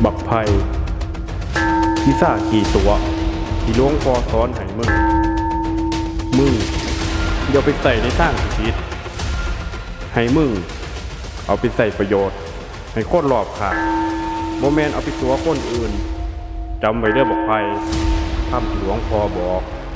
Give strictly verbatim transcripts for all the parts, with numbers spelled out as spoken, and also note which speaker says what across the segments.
Speaker 1: บักไผ่พิซ่าขี่ตัวที่หลวงพ่อสอนให้มึงมึงอย่าไปใส่ในทางผิดให้มึงเอาไปใส่ประโยชน์ให้คนรอบข้างบ่แม่นเอาไปตัวคนอื่นจำไว้เด้อบักไผ่คำที่หลวงพ่อบอก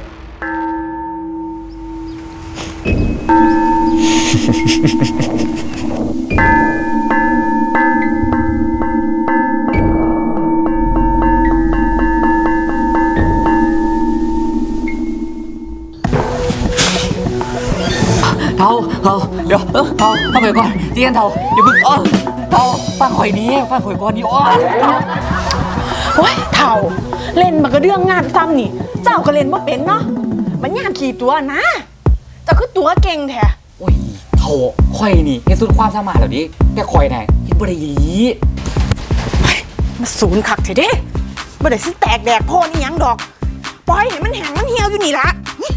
Speaker 2: เทาเทาเดี๋ยวเออเทาฟังข่อยก่อนเจียนเทาเดี๋ยวมึงอ๋อเทาฟังข่อยนี้ฟังข่อยก่อนนี่อ๋อ
Speaker 3: โอ้ยเถ่าเล่นมันก็เรื่องงานซ้ำนี่ เจ้าก็เล่นว่าเป็นเนาะมันงานขี่ตัวนะเจ้าคือตัวเก่งแท้
Speaker 2: โอ้ยเทาข่อยนี่เฮ็ดสุดความสามารถแล้วดิแต่ข่อยน่ะเฮ็ดบ่ได้อีหลี
Speaker 3: มาศูนย์คักเถอะเด้บ่ได้สิแตกแดกโพนี่ยังดอกปล่อยให้มันแห้งมันเหี่ยวอยู่นี่ละ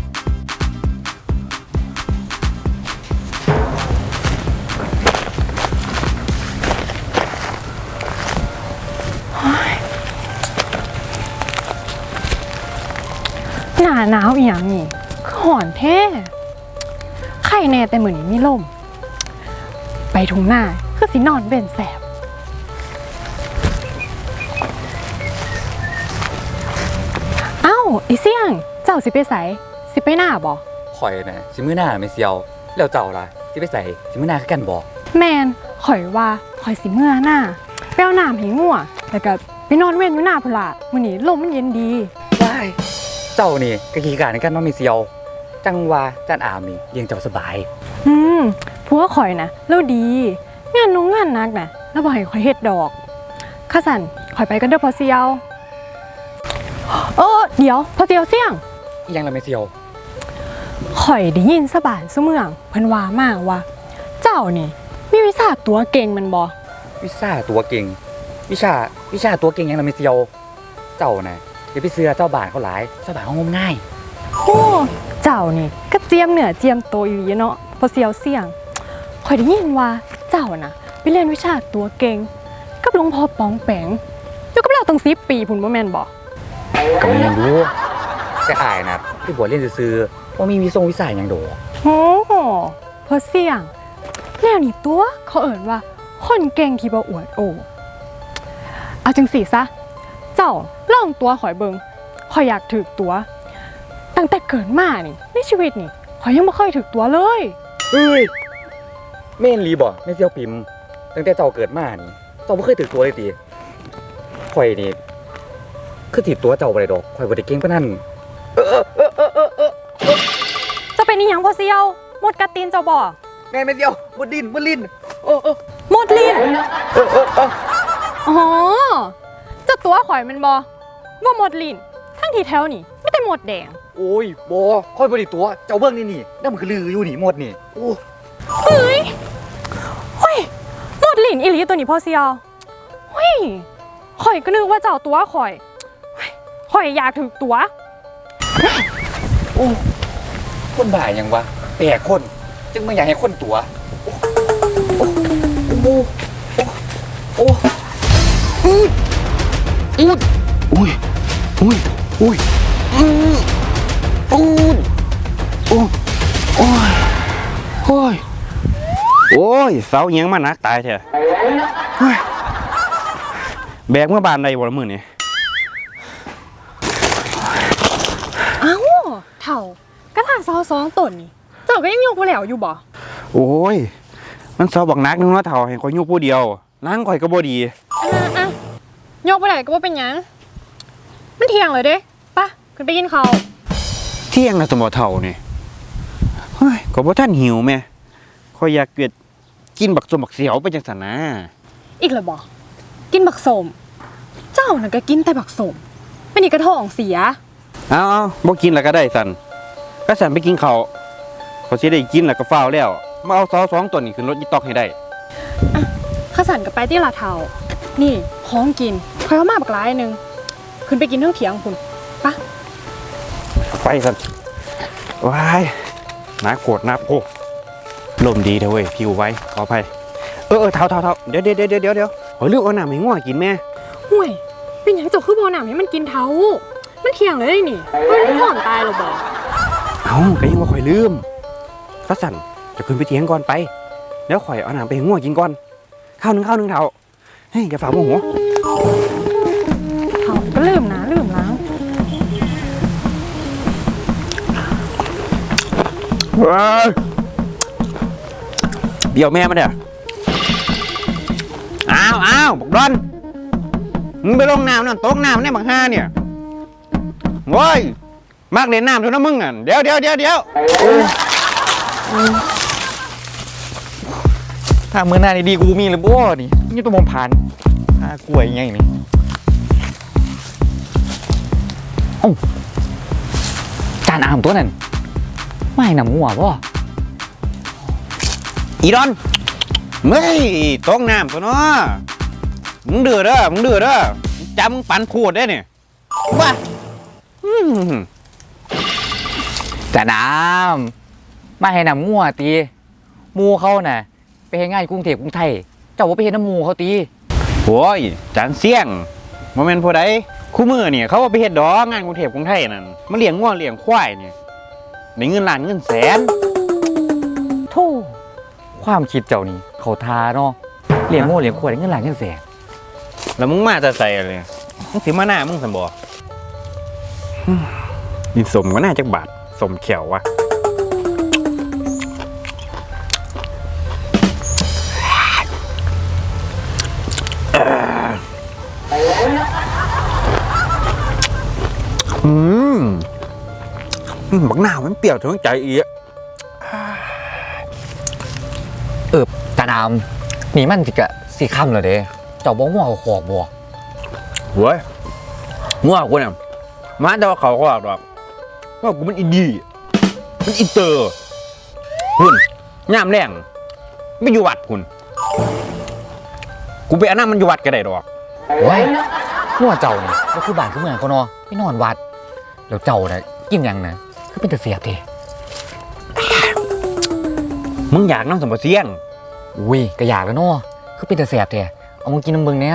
Speaker 4: หนาหนาวอีหยังนี่คือห่อนแท้ไข่แน่แต่มื้อนี้มีลมไปทุ่งนาคือสินอนเป็นแสบเอ้าไอ้เสี่ยงเจ้าสิไปไสสิไปหน้าบ่
Speaker 2: ข่อยน่ะสิมื้อหน้าไม่เซียวแล้วเจ้าล่ะสิไปใส่สิมื้อหน้าคือกันบ่
Speaker 4: แม่นข่อยว่าข่อยสิเมื่อหน้าไปเอาน้ำให้งัวแล้วก็ไปนอนเว้นอยู่หน้าพุ่นล่ะมื้อนี้ลมมันเย็นดี
Speaker 2: ว้ายเจ้านี่ก็ขี้การในกันเนาะไม่เซียวจังว่าจานอามนี่เลี้ยงเจ้าสบาย
Speaker 4: อืมผัวข่อยนะแล้วดีงานน้องงานนักนะแล้วบ่ให้ข่อยเฮ็ดดอกข้าสันข่อยไปกันเด้อพอเซียวเออเดี๋ยวพอเซียวเสี่ยง
Speaker 2: อีหยังล่ะไม่เซียว
Speaker 4: ข่อยได้ยินสะบานซุเมืองเพิ่นว่ามาว่า เจ้านี่มีวิชาตัวเก่งมันบ่
Speaker 2: วิชาตัวเก่งวิชาวิชาตัวเก่งหยังล่ะไม่เซียวเจ้าน่ะอย่าไปเสือเจ้าบ้านเขาหลายเจ้าบ้านเขางมง่าย
Speaker 4: โอ้เจ้านี่ก็เจียมเหนือเจียมโตอีหลีเนาะพอเซียวเสี่ยงข่อยได้ยินว่าเจ้าน่ะไปเรียนวิชาตัวเก่งกับหลวงพ่อปองแปงอยู่กับเราตั้งสิบปีพุ่นบ่แม่นบ่
Speaker 2: ก็มีอย่างรู้แต่อายนะพี่บัวเล่นซื้อๆว่ามีวิทรงวิสัยอย่างโด
Speaker 4: โอ้โหพอเสี่ยงแนวนี้ตัวเขาเอ่นว่าคนเก่งที่บ่อวดโอ้เอาจังสิซะเจ้าลองตัวข่อยเบิงข่อยอยากถึกตัวตั้งแต่เกิดมานี่ในชีวิตนี่ข่อยยังบ่เคยถึกตัวเลย
Speaker 2: เฮ้ยแม่นรีบ่ไม่เซียวปิมตั้งแต่เจ้าเกิดมานี่เจ้าไม่เคยถือตัวเลยตีข่อยนี่คือถือตัวเจ้าบ่ได้ดอกข่อยบ่ได้เก่งปานนั้น
Speaker 4: จะเป็นอีหยังพอเสี่ยวหมดกระตีนเจ้าบ่
Speaker 2: แม่นไม่เซียวบ่ดิ้นบ่ลิ้นโอ้โอ้
Speaker 4: หมดลิ้นอ๋อเจ้าตัวข่อยแมันบ่ว่าหมดลิ้นทั้งที่แถวนี่ไม่แต่หมดแดง
Speaker 2: โอ้ยบ่ข่อยบ่ได้ตัวเจ้าเบิ่งนี่นี่นั่นมันคือลืออยู่นี่หมดนี่โอ้
Speaker 4: เฮ้ยเฮ้ยหมดลิ้นอีหลีตัวนี้พอเสี่ยวเฮ้ยข่อยก็นึกว่าเจ้าตัวข่อยเฮ้ยข่อยอยากถึกตัว
Speaker 2: โอ้คนบ้าหยังวะแปลกคนจึงไม่อยากให้คนตัวโอ้โอ้โอ้โอ้อูดอูด
Speaker 1: อุ้ยอุ้ยอุ้ย
Speaker 2: อูดอูด
Speaker 1: โอ้ยโอ้ยโอ้ยเสาเอียงมานักตายแท้เฮ้ยแบกเมื่อบานใดบ่ละมื้อนี่
Speaker 4: เอ้าเถ่ากระถางเสาสองต้นนี่เจ้าก็ยังยกบ่แล้วอยู่บ่
Speaker 1: โอ้ยมันเสาบักนักนึงเนาะเฒ่าให้ข่อยอยู่ผู้เดียวล้างข่อยก็บ่ดี
Speaker 4: อ่ะอ่ะยกบ่ได้ก็บ่เป็นหยังมันเที่ยงเลยเด้ปะขึ้นไปกินข้าว
Speaker 1: เที่ยงแล้วสมบ่เฒ่านี่เฮ้ยก็บ่ทันหิวแม่ข่อยอยากเกิดกินบักสมบักเสียวไปจังซั่นนะ
Speaker 4: อีกแล้วบ่กินบักสมเจ้าน่ะก็กินแต่บักสมเป็นอีกกระท้องเสีย
Speaker 1: เอาเอาบ่กินแล้วก็ได้สั่นก็สั่นไปกินข้าวเขาสิได้กินแล้วก็ฟ้าวแล้วมาเอาเสาสองต้นนี่ขึ้นรถอีตอกให้ได้
Speaker 4: ข้าสันกับไปที่ลาเทานี่ของกินคอยเอามาบักหลายหนึงขึ้นไปกินเรื่องเถียงคุณปะ
Speaker 1: ไปสั่นว้ายน้าโกรธน้าโพลมดีเถอะเว้ยผิวไว้ขออภัยเออเออเท่าเท่าเท่าเดี๋ยวเดี๋ยวเดี๋ยวเดี๋ยวเดี๋ยวขอเลือกเอาน้ำให้ง่วงกินแม่
Speaker 4: หูห่วยเป็นหยังเจ้าคือบ่น้ำให้มันกินเท้ามันเที่ยงเลยได้นี่มันถอนตายหรอบ่
Speaker 1: เอ้าก็ยังว่าข่อยลืมก็สั่นจะขึ้นไปเถียงก่อนไปแล้วข่อยเอาน้ำไปให้งัวกินก่อนข้าวหนึงข้าวหนึงเท่าเฮ้ยอย่าฝ่าโมโห
Speaker 4: เขาก็ลืมนะลืมล้าง
Speaker 1: เฮ้ยเดี๋ยวแม่มาเด้ออ้าวอ้าวบอกดอนมึงไปลงน้ำนั่นตกน้ำในบังห้าเนี่ยโว้ยมากเล่นน้ำเท่านั้นมึงอ่ะเดี๋ยวเดี๋ยวเดี๋ยวเดี๋ยว
Speaker 2: ถ้ามือหน้าดีๆกูมีหรือบ่นี่นี่ตัวมอมผ่านหากล้วยยังไงนี่เอ้าจานอามตัวนั้นไม่นำงัวบ่
Speaker 1: อีดอนเฮ้ยตกน้ำตัวเนาะมึงเดือดเด้อมึงเดือดเด้อจำมึงปั่นพูดได้เนี่ยว้าอืม
Speaker 2: จานอามไม่ให้นำงัวตีหมูเขาน่ะไปเฮ็ดงานกรุงเทพกรุงไทยเจ้าว่าไปเฮ็ดน้ำหมูเขาตี
Speaker 1: โอ้ยจานเสี่ยงโมเมนต์ผู้ใดคู่มือเนี่ยเขาว่าไปเฮ็ดดอกงานกรุงเทพกรุงไทยนั่นมาเลี้ยงง่วเลี้ยงควายเนี่ยได้เงินล้านเงินแสน
Speaker 2: โธ่ความคิดเจ้านี่เขาทาเนาะเลี้ยงโง่เลี้ยงควายได้เงินหลายเงินแสน
Speaker 1: แล้วมึงมาจะใส่อะไรมึงสิมาหน้ามึงสันบ่ดินสมก็น่าจักบาทสมเขียววะอืมบักหน้ามันเปรี้ยวถึงใจอีก
Speaker 2: เออจานอามนี่มันสิกะสีค่ำเลยเด้เจ้าบ่งัวเขาขอกบ่
Speaker 1: เว้ยงัวกูเนี่ยมาแต่ว่าเขาก็บอกดอกว่ากูมันอินดี้มันอินเตอร์พุ่นย่ามแรงไม่อยู่วัดพุ่นกูไปอันนั้นมันอยู่วัดก็ได้ดอก
Speaker 2: โอ้ยงัวเจ้านี่ก็คือบ้านคือเมืองเขาเนาะไปนอนวัดแล้วเจ้าน่ะกินหยังน่ะคือเป็นตาเสียบเด้
Speaker 1: มึงอยากน้ำสมบัติเสี่ยง
Speaker 2: อุ้ยก็อยากแล้วเนาะคือเป็นตาเสียบเด้เอามึงกินน้ำเบิ่งเนี่ย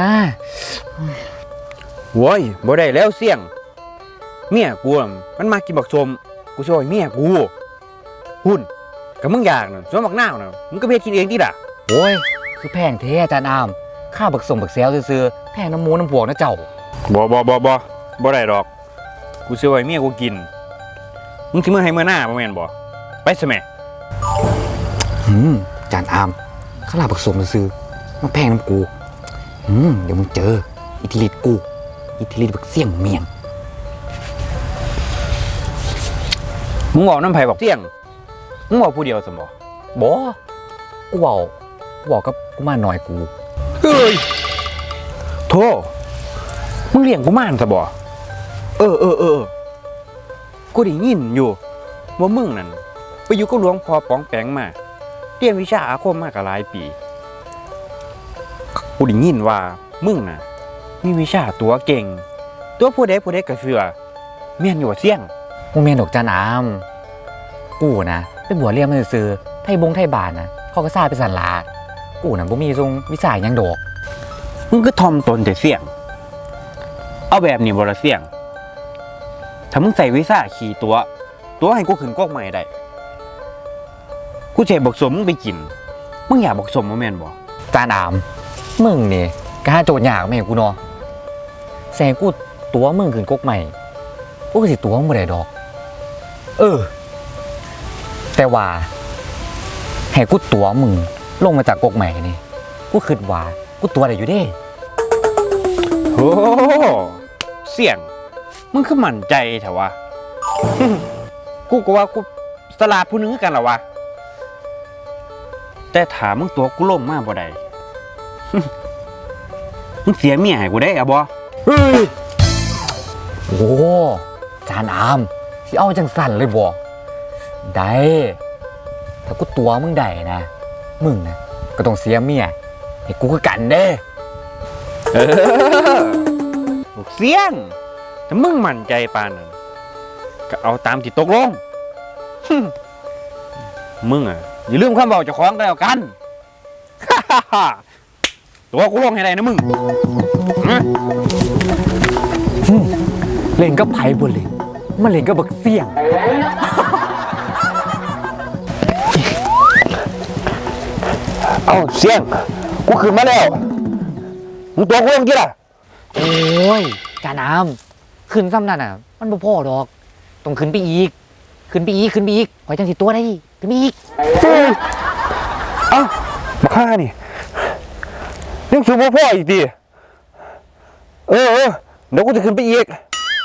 Speaker 1: โว้ยบ่ได้แล้วเสี่ยงเมียกูน่ะมันมากินบักสมกูช่วยเมียกูพุ่นกับมึงอยากน่ะส่วนบักหน้าวน่ะมึงก็ไปเฮ็ดกินเองดิล่ะ
Speaker 2: โอ้ยคือแพงแท้อาจารย์อามข้าวบักสมบักแซวซื่อๆแพงน้ำหมูน้ำพวกนะเจ้า
Speaker 1: บ่บ่บ่บ่บ่ได้ดอกกูช่วยเมียกูกินมึงสิมื้อให้มื้อหน้าบ่แม่นบ่ไปซะแม่
Speaker 2: อืมอาจารย์อามข้าวบักสมซื่อๆมันแพงน้ำกูอืมเดี๋ยวมึงเจออิทธิฤทธิ์กูอิทธิฤทธิ์บักเสี่ยงเมียง
Speaker 1: มึงบอกน้ำไผ่บอกเสี่ยงมึงบอกผู้เดียวสมบ่
Speaker 2: บ่กูบอกกูบอกกับกูมาหน่อยกู
Speaker 1: เฮ้ยโธ่มึงเลี้ยงกูมานซะบ่เออเออเออกูได้ยินอยู่ว่ามึงนั่นไปอยู่กับหลวงพ่อป๋องแปงมาเรียนวิชาอาคมมาก็หลายปีกูได้ยินว่ามึงน่ะมีวิชาตัวเก่ง ตัวผู้ใดผู้ใดก็เชื่อแม่นอยู่ว่าเสี่ยง
Speaker 2: มึงเมียนดอกจานอามกูนะไปบวชเรียนมาซื่อๆไทยบงไทยบานนะเขาก็ซาไปสันลากูน่ะบ่มีทรงวิสัยหยังดอก
Speaker 1: มึงก็ทอมตนแต่เสี่ยง เอาแบบนี้บ่ละเสี่ยง ถ้ามึงใส่วิชาขี่ตัว ตัวให้กูขึ้นกอกใหม่ได้กูจะให้บักสมมึงไปกิน มึงอยากบักสมบ่แม่นบ่
Speaker 2: จานอามมึงนี่กล้าโจทย์ยากแม่กูเนาะแซงกูตัวมึงขึ้นกกใหม่กูก็สิตัวมึงบ่ได้ดอก เออ แต่ว่าให้กูตัวมึงลงมาจากกกใหม่นี่กูคิดว่ากูตัวได้อยู่เด้
Speaker 1: โอ้เสี่ยง มึงคือมั่นใจแถวะ กูก็ว่ากูสลาดผู้หนึงคือกันล่ะวะ แต่ถามมึงตัวกูล่มมาบ่ได้ มึงเสียเมียให้กูได้อะบ่เฮ้ย
Speaker 2: โอ้จานอามสิเอาจังสั่นเลยบ่ได้ถ้ากูตัวมึงได้นะมึงนะก็ต้องเสียเมียให้กูคือกันเด้
Speaker 1: เออลูกเสียงถ้ามึงมั่นใจปานนั้นก็เอาตามที่ตกลง มึงอ่ะอย่าลืมคำบอกเจ้าของกันแล้วกัน ไปตัวกูลงให้ได้นะมึงฮะ
Speaker 2: เล่นก็ไผ่บนเลยมันเล่นก็บักเสี่ยง
Speaker 1: เอาเสียงกูขึ้นมาแล้วมึงตัวกูลงกี่ล่ะ
Speaker 2: โอ้ยจาน้ำขึ้นซ้ำนั่นอ่ะ มันบ่พอดอกต้องขึ้นไปอีก ขึ้นไปอีกขึ้นไปอีกหอยจังสิตัวได้ขึ้นไปอีก
Speaker 1: เอ้ามาฆ่านี่ยังสูงพ่ออีกดิเออเออเดี๋ยวกูจะขึ้นไปอีก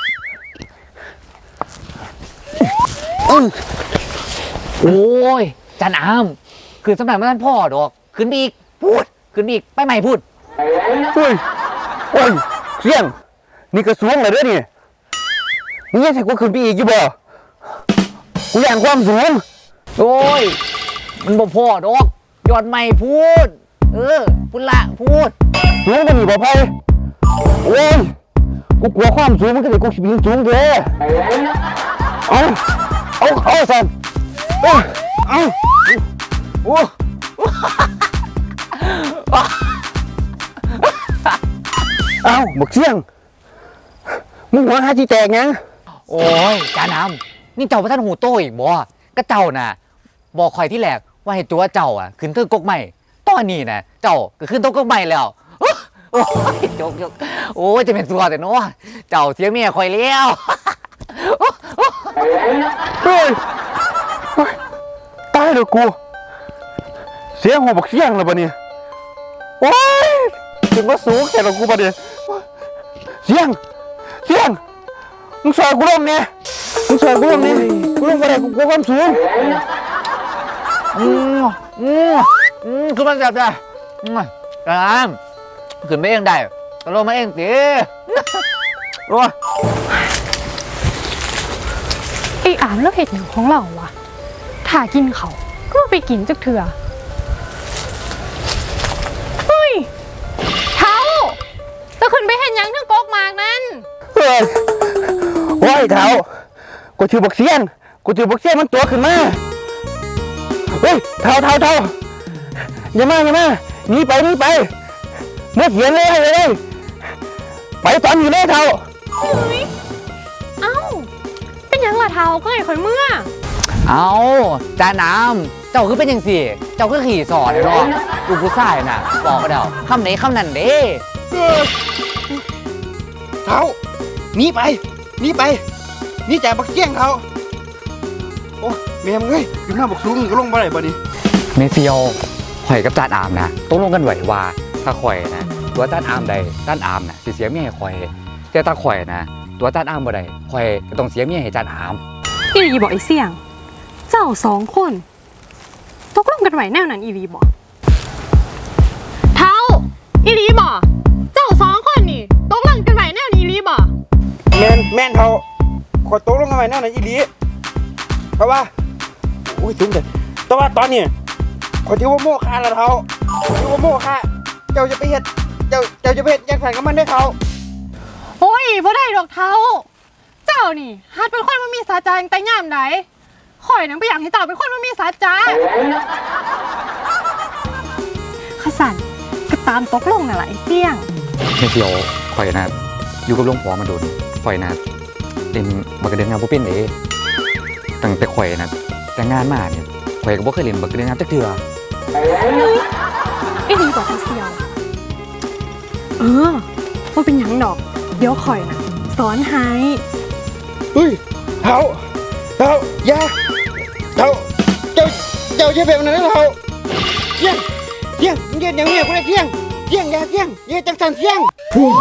Speaker 1: อื้อ
Speaker 2: โอ้ยจาน้ำขึ้นซ้ำนั่นมันพ่อดอกขึ้นไปอีกพูดขึ้นไปอีกไปใหม่พูด
Speaker 1: เฮ้ยโอ้ยเสียงนี่กระสูงเลยเด้อนี่มึงยังใส่กูขึ้นไปอีกอยู่บ่กูอยากความสูง
Speaker 2: โอ้ยมันบ่พอดอกยอดใหม่พูด เออพูดละพูด
Speaker 1: สูงกว่านี่บ่ไปโอ้ยกูกลัวความสูงมันก็เลยกูสิบินสูงเด้เอาเอาเอาสันเอาเอาโอ้เอาบักเสียงมึงหัวหาที่แตกยัง
Speaker 2: โอ้ยจาน้ำนี่เจ้าพระท่านหูโตอีกบ่ก็เจ้าน่ะบอกคอยที่แรกว่าให้ตัวเจ้าอ่ะขึ้นเทือกกกใหม่ตอนนี้น่ะเจ้าก็ขึ้นเทือกกกใหม่แล้วโอ้ยจกจกโอ้ยจะเป็นตัวแต่เนาะเจ้าเสียเมียคอยแล้ว
Speaker 1: เฮ้ยเฮ้ยตายเลยกูเสียงหัวบักเสียงแล้วปะเนี่ยโอ้ยถึงว่าสูงแค่ละกูปะเนี่ยเสียงเสียงมึงสอนกูลงเนี่ยมึงสอนกูลงเนี่ยกูลงไปได้กูกลัวความสูง
Speaker 2: อืมอืมอืมขึ้นมาจับได้อืมจาน้ำขึ้นไม่เองได้ตกลงมาเองสิโอ้ย
Speaker 4: ไอ้อามแล้วเห็ดหยังของเราวะถ้ากินเขาก็ไปกินจักเถื่อเฮ้ยเท้าจะขึ้นไปเห็นยังทั้งกกหมากนั่น
Speaker 1: เฮ้ยโอ้ยเท้ากูถือบักเสียงกูถือบักเสียงมันตัวขึ้นมาเฮ้ยเท้าเท้าเท้าอย่ามาอย่ามาหนีไปหนีไปเมื่อเขียนเลยเลย ไปตอนอยู่เลยเท้า
Speaker 4: เอ้าเป็นหยังล่ะเท้าก็ไอ้ข่อยเมื่อ
Speaker 2: เอาจาน้ำเจ้าคือเป็นยังสิเจ้าคือขี่สอนเนาะดูผู้ชายน่ะบอกก็เดาคำไหนคำนั้นเด้
Speaker 1: เท้าหนีไปหนีไปหนีจากบักเกี้ยงเท้าโอ้แม่มึงเอ้ยขึ้นมาบักสูงก็ลงมาได้บ่นี่
Speaker 2: เมเซียวข่อยกับจานอามนะต้องลงกันไหวว่าถ้าข่อยนะตัวจานอามใดจานอามนะสิเสียเมียให้ข่อยแต่ถ้าข่อยนะตัวจานอามบ่ใดข่อยก็ต้องเสียเมียให้จานอาม
Speaker 4: อีรีบอกไอ้เสี่ยง เจ้าสองคนตกลงกันไหวแนวนั้นอีรีบอกเท้าอีรีบอกเจ้าสองคนนี่ตกลงกันไหวแนวนี้อีรีบอก
Speaker 1: แม่นแม่นเท้าขอโต๊ะลงกันไว้นั่นน่ะอีหลีเพราะว่าโอ้ยสูงเลยแต่ว่าตอนนี้ขอถือว่าโม่ค่าละเท้าถือว่าโม่ค่าเจ้าจะไปเฮ็ดเจ้าเจ้าจะไปเฮ็ดอยังแผนกับมันได้เท้า
Speaker 4: โอ้ยบ่ได้ดอกเท้า เจ้านี่หัดเป็นคนมันมีสาจาแต่ย่ามไหนข่อยนังไปอยากให้เจ้าเป็นคนมันมีสาจาขสันก็ตามตกลงน่ะล่ะไอ้เสี่ยง
Speaker 2: เมเซียวข่อยนะอยู่กับหลวงพ่อมาโดนข่อยนะเล่นบักกระเดืองงานบ่เป็นเด้ตั้งแต่ข่อยนะแต่งงานมาเนี่ยข่อยก็บ่เคยเล่นบักกระเดืองงานจักเทื่อ
Speaker 4: ไอ้ดีบอกไอ้เสี่ยว เออว่าเป็นหยังดอก เดี๋ยวข่อยนะสอนให้
Speaker 1: เฮ้ยเท้าเท้าอย่าเท้าเจ้าเจ้าจะแบบนั้นนะเท้าเที่ยงเที่ยงมึงเย็นอย่างเมียกูได้เที่ยงเที่ยงอย่าเที่ยงอย่าจังสันเที่ยง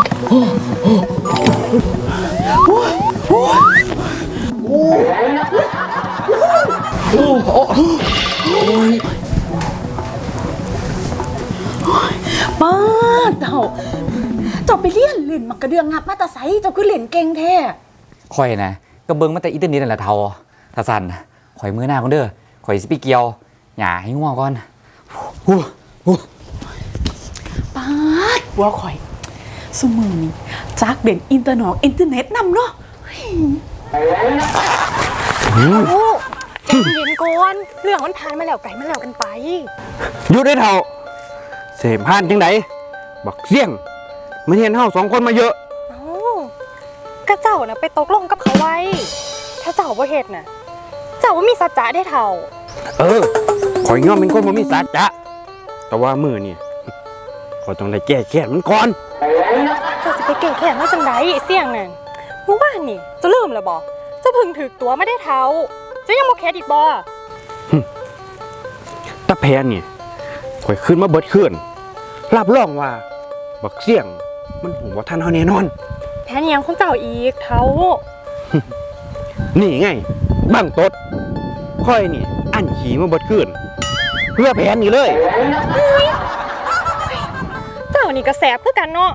Speaker 3: ป้าดเจ้าเจ้าไปเรียนเล่นมักกระเดืองงับมาแตาไซเจ้าคือเล่นเก่งแท้
Speaker 2: ข่อยนะก็เบิ่งมาแต่อินเทอร์เน็ตนั่นแหละเท่าถ้าสั่นข่อยมือหน้าก่อนเด้อข่อยสิไปเกี่ยวหญ้าให้งัวก่อนฮู้ฮู้
Speaker 3: ป้าดหัวข่อยสมือนี้จักเด่นอินเตอร์นอกอินเทอร์เน็ตนำเนาะ
Speaker 4: โอ้ใจเย็นก่อน เรื่องมันผ่านมาแล้วไก่มาแล้วกันไป
Speaker 1: อยู่ได้เท่าเสพพานจังไหนบักเสี่ยงมันเห็นเฮาสองคนมาเยอะ
Speaker 4: เอ้าก็เจ้าน่ะไปตกลงกับเขาไว้ ถ้าเจ้าบ่เฮ็ดน่ะ เจ้าบ่มีสัจจะได้เท่า
Speaker 1: เออข่อยยอมเป็นคนบ่มีสัจจะแต่ว่ามือนี่ ข่อยต้องได้แก้แค้นมันก่อน
Speaker 4: เจ้าสิไปเก่งแค่นมาจังไดไอ้เสี่ยงนั่นเมื่อวานนี่เจะลืมแล้วบ่เจะพึ่งถึกตัวไม่ได้เท่าเจะยังบ่เข็ดอีกบ่
Speaker 1: ตะแพนนี่ข่อยขึ้นมาเบิดขึ้นรับรองว่า บักเสี่ยงมันหูว่าท่านเฮาแน่นอน
Speaker 4: แพ้นยังของเจ้าอีกเท่า
Speaker 1: นี่ไงบังตดค่อยนี่ อันขี่มาเบิดขึ้นเพื่อแผนนี่เลย
Speaker 4: เจ้านี่ก็แสบคือกันเนาะ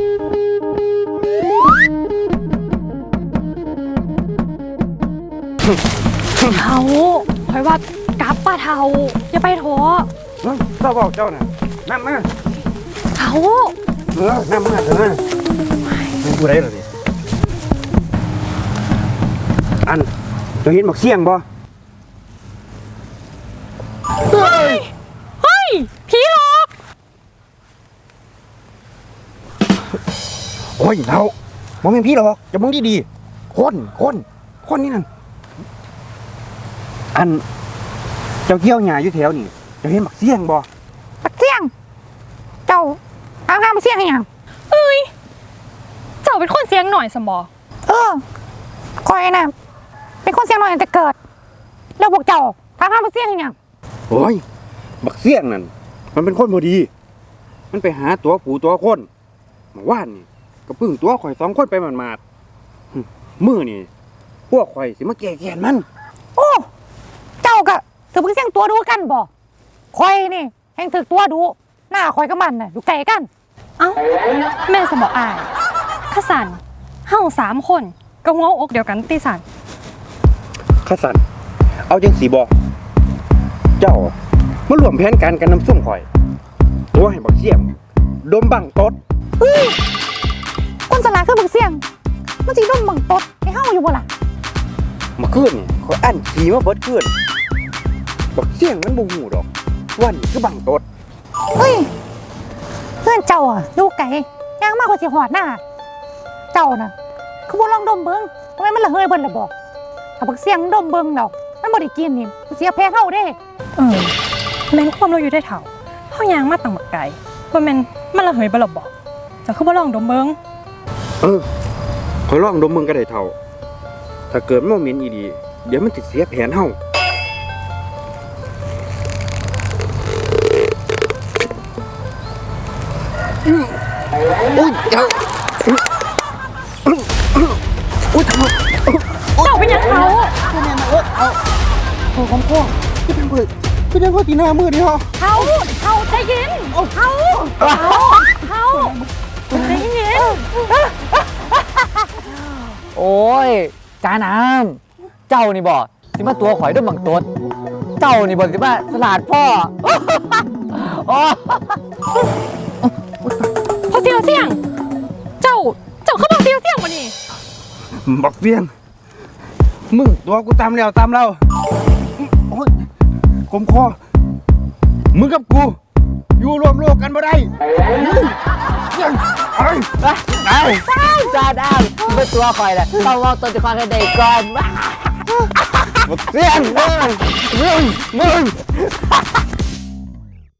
Speaker 4: เท่าคอยว่ากลับป้าเท่าอย่าไปโถ
Speaker 1: เจ้าบอกเจ้าน่ะนำมา
Speaker 4: เท่า
Speaker 1: เออนำมาเถอะนะมึงกูได้หรอดิอันเจะเห็นบักเสี่ยงบ่
Speaker 4: เฮ้ยเฮ้ยผีหลอก
Speaker 1: โอ้ยเราบ่แม่นพี่หรอกอย่ามองดีๆคนคนคนนี่นั่นอันเจ้าเกี่ยวหญ้าอยู่แถวนี่เจะเห็นบักเสี่ยงบ่
Speaker 3: ปักเสี่ยง เจ้าเอาห้ามมาเสี่ยงให้หยัง
Speaker 4: เอ้ยเจ้าเป็นคนเสียงหน่อยสมอ
Speaker 3: เออคอยน่ะเป็นคนเสี่ยงน้อยตั้งแต่เกิด แล้วพวกเจ้าถามห้ามมาเสี่ยงให้หยัง
Speaker 1: โอ้ยบักเสี่ยงนั่นมันเป็นคนบ่ดี มันไปหาตัวผู้ตัวคนเมื่อวานนี่ก็พึ่งตัวข่อยสองคนไปหมาดๆหึมื้อนี่พวกข่อยสิมาแก้แค้นมัน
Speaker 3: โอ้ เจ้าก็ถือเพิ่งเสี่ยงตัวดูกันบ่คอยนี่แห่งถึกตัวดู หน้าคอยกับมันน่ะอยู่ไกลกัน
Speaker 4: เอ้าแม่สมออายข้าสันเฮาสามคนก็หัวอกเดียวกันตีสัน
Speaker 1: ข้าสันเอาจังสีบอเจ้ามารวมแผนการกันน้ำส้มข่อย ตัวให้บักเสี่ยงดมบังตด
Speaker 3: เฮ้ยคนสลาคือบักเสี่ยง มันสิดมบังตดให้เฮาอยู่บ่ล่ะ
Speaker 1: มาขึ้นนี่ข่อยอันขี่มาเบิดขึ้นบักเสี่ยงมันบ่หูดอกว่านี่คือบังตด
Speaker 3: เฮ้ย เพื่อนเจ้าอ่ะอยู่ไกลย่างมากกว่าสิหอดหน้า เจ้าน่ะ คือบ่ลองดมเบิ่งทำไมมันละเฮยเบิ่นล่ะบ่ถ้าบักเสี่ยงดมเบิ่งดอกมันบ่ได้กินนี่มันเสียแพ้เฮาเด้
Speaker 4: เออแม่นความเราอยู่ได้เท่าเฮายางมาตั้งบักไก่ว่าแม่นมันละเหยบ่ล่ะบ่เจะคือบ่ลองดมเบิ่ง
Speaker 1: เออข่อยลองดมมึงก็ได้เท่า ถ้าเกิดมันบ่เหม็นอีดีเดี๋ยวมันติดเสียแผนเฮาอุ้ยเจ้าอุ้ยทำไม
Speaker 4: เจ้าเป็นหยังเขา
Speaker 1: โอ้ของพ่อพี่เป็นเพื่อนพี่เป็นพ่อตีหน้ามือดิฮะ
Speaker 4: เขาเขาใจเย็นเขาเขาเขาใจเย็น
Speaker 5: โอ้ยจาน้ำเจ้านี่บอกสิมาตัวข่อยด้วยบังตดเจ้านี่บอกสิมาสลาดพ่อ โอ้
Speaker 4: พอเสียวเสียง เจ้า เจ้าเข้ามาเสียวเสียงมานี่
Speaker 1: บักเบี้ยง มึงตัวกูตามแล้วตามเราโอ้ยคมคอมึงกับกู อยู่รวมโลกกันบ่ได้เบี้ยงไอ้ไอ้
Speaker 5: จาน้ำสิมาตัวข่อยแหละต้องรอตัวจะคว้าให้ได้ก่อน
Speaker 1: บักเบี้ยงมึงมึงมึง